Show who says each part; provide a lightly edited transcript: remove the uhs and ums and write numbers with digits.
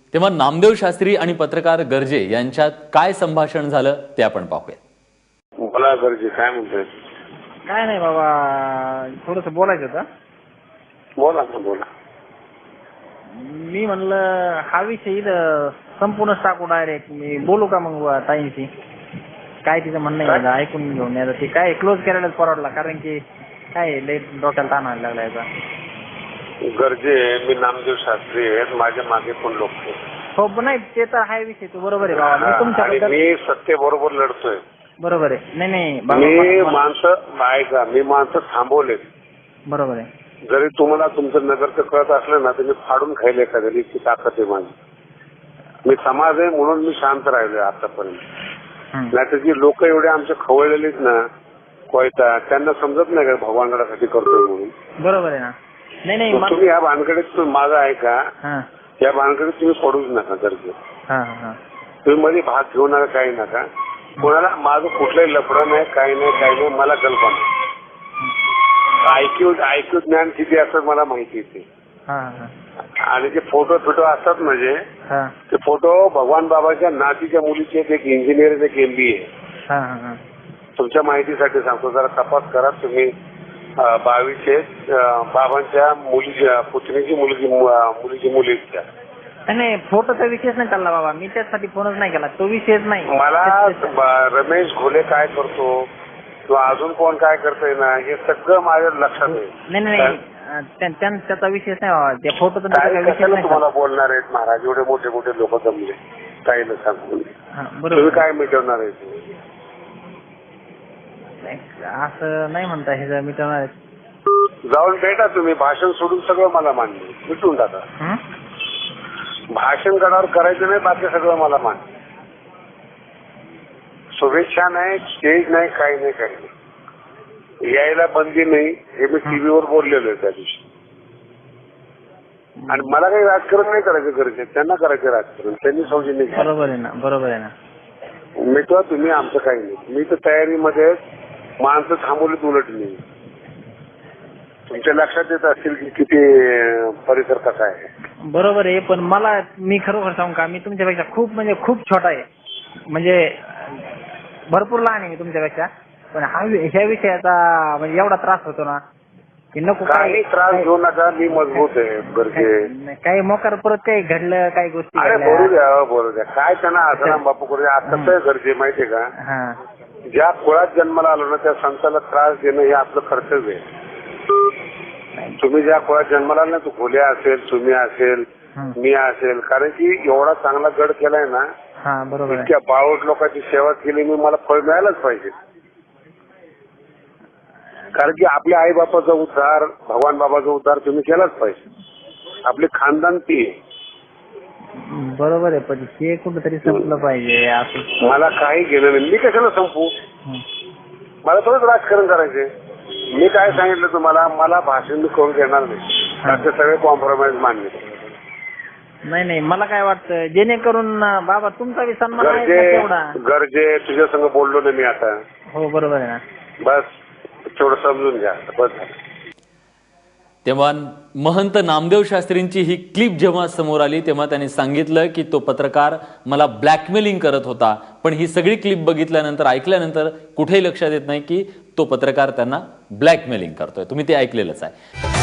Speaker 1: तेव्हा नामदेव शास्त्री आणि पत्रकार गर्जे यांच्यात काय संभाषण झालं ते आपण पाहूया.
Speaker 2: बोला गर्जे, काय म्हणतोय?
Speaker 3: काय नाही बाबा, थोडंसं बोलायचं होतं.
Speaker 2: बोला ना, बोला.
Speaker 3: मी म्हणलं हा विषय इथं संपूर्ण टाकू डायरेक्ट. मी बोलू का मग ताईंशी? काय तिचं म्हणणं आहे ऐकून घेऊन यायचं. ते काय क्लोज करायलाच परवडला, कारण की काय लय डोक्याला ताण व्हायला लागला याचा.
Speaker 2: गर्जे, मी नामदेव शास्त्री आहेत, माझ्या मागे पण लोक आहेत.
Speaker 3: हो, पण नाही ते तर हाय विषय, तो बरोबर आहे बाबा. मी तुमच्याबद्दल
Speaker 2: मी सत्य बरोबर लढतोय.
Speaker 3: बरोबर आहे. नाही नाही
Speaker 2: मी
Speaker 3: बाबा,
Speaker 2: माणसं ऐका, मी माणसं थांबवलेत.
Speaker 3: बरोबर आहे.
Speaker 2: जरी तुम्हाला तुमचं नगरचं कळत असलं ना, तर मी फाडून खायला एखाद्या इतकी ताकद आहे माझी. मी समाज आहे म्हणून मी शांत राहिलोय आतापर्यंत. नाहीतर जी लोक एवढे आमचे खवळलेलीत ना कोयता, त्यांना समजत नाही का भगवानगडासाठी करतोय म्हणून.
Speaker 3: बरोबर आहे ना. नाही नाही
Speaker 2: तुम्ही या भानगडीत माझं ऐका, या भानगडीत तुम्ही पडूच नका गर्जे. तुम्ही मध्ये भाग घेऊ नका, काही नका. कोणाला माझं कुठलंही लफडं नाही, काही नाही. मला कल्पना ऐकू ज्ञान किती असतं मला माहिती येते. आणि जे फोटो असतात म्हणजे ते फोटो भगवान बाबाच्या नातीच्या मुलीचे, एक इंजिनियर, एक MBA. तुमच्या माहितीसाठी सांगतो, जरा तपास करा तुम्ही. 22 बाबांच्या मुलीच्या पुतणीची मुलीची मुलीच्या.
Speaker 3: नाही, फोटोचा विषयच नाही चालला बाबा. मी त्यासाठी फोनच नाही केला, तो विषयच नाही.
Speaker 2: मला रमेश घोले काय करतो किंवा अजून कोण काय करतोय ना, हे सगळं माझ्या लक्षात आहे.
Speaker 3: नाही त्याचा विषयच नाही बाबा. त्या फोटोचा विषय नाही.
Speaker 2: तुम्हाला बोलणार आहेत महाराज, एवढे मोठे मोठे लोक जमले, काही न सांगून तुम्ही काय मिटवणार आहे?
Speaker 3: असं नाही म्हणता हे मिटवणार आहे.
Speaker 2: जाऊन भेटा तुम्ही, भाषण सोडून सगळं मला मान्य, मिटून टाका. भाषण गडावर करायचं नाही, बाकी सगळं मला मान्य. शुभेच्छा नाही, स्टेज नाही, काही नाही. यायला बंदी नाही, हे मी टीव्हीवर बोललेलो आहे त्या दिवशी. आणि मला काही राजकारण नाही करायचं गरजे, त्यांना करायचं राजकारण, त्यांनी सौजन्य घ्या.
Speaker 3: बरोबर आहे ना.
Speaker 2: मिटवा तुम्ही, आमचं काही नाही. मी तर तयारीमध्ये माणसं थांबवलीत उलट नाही. तुमच्या लक्षात येत असतील की किती परिसर कसा आहे.
Speaker 3: बरोबर आहे, पण मी खरोखर सांगू का, मी तुमच्यापेक्षा खूप छोटा आहे. म्हणजे भरपूर लहान आहे मी तुमच्यापेक्षा. पण ह्या विषयाचा म्हणजे एवढा त्रास होतो ना की नको.
Speaker 2: काही त्रास घेऊ नका, मी मजबूत आहे गरजे.
Speaker 3: काही मोकार परत काही घडलं, काही गोष्टी
Speaker 2: बोलू द्या. काय त्यांना आसाराम बापू करू द्या. आता कसं गरजे माहितीये का, ज्या कुळात जन्माला आलो ना त्या संताला त्रास देणं हे आपलं कर्तव्य आहे. तुम्ही ज्या कुळात जन्माला आलो ना, तू खोल्या असेल, तुम्ही असेल, मी असेल, कारण की एवढा चांगला गड केलाय ना, इतक्या बावट लोकांची सेवा केली मी, मला फळ मिळायलाच पाहिजे. कारण की आपल्या आई बापाचा उद्धार, भगवान बाबाचा उद्धार तुम्ही केलाच पाहिजे. आपले खानदान ती आहे.
Speaker 3: बरोबर आहे, पण ते कुठेतरी संपलं पाहिजे. असं
Speaker 2: मला काही घेणं नाही. मी कशाला संपू? मला थोडंच राजकारण करायचंय. मी काय सांगितलं तुम्हाला, मला भाषण मी करून घेणार नाही. त्याचे सगळे कॉम्प्रोमाइज मान्य.
Speaker 3: नाही मला काय वाटतं, जेणेकरून बाबा तुमचा बी सन्मान आहे तेवढा.
Speaker 2: गरजे तुझ्या संग बोललो ना मी आता.
Speaker 3: हो, बरोबर आहे ना.
Speaker 2: बस तेवढं समजून घ्या, बस.
Speaker 1: तेव्हा महंत नामदेव शास्त्रींची ही क्लिप जेव्हा समोर आली तेव्हा त्यांनी सांगितलं की तो पत्रकार मला ब्लॅकमेलिंग करत होता. पण ही सगळी क्लिप बघितल्यानंतर, ऐकल्यानंतर कुठेही लक्षात येत नाही की तो पत्रकार त्यांना ब्लॅकमेलिंग करतोय. तुम्ही ते ऐकलेलंच आहे.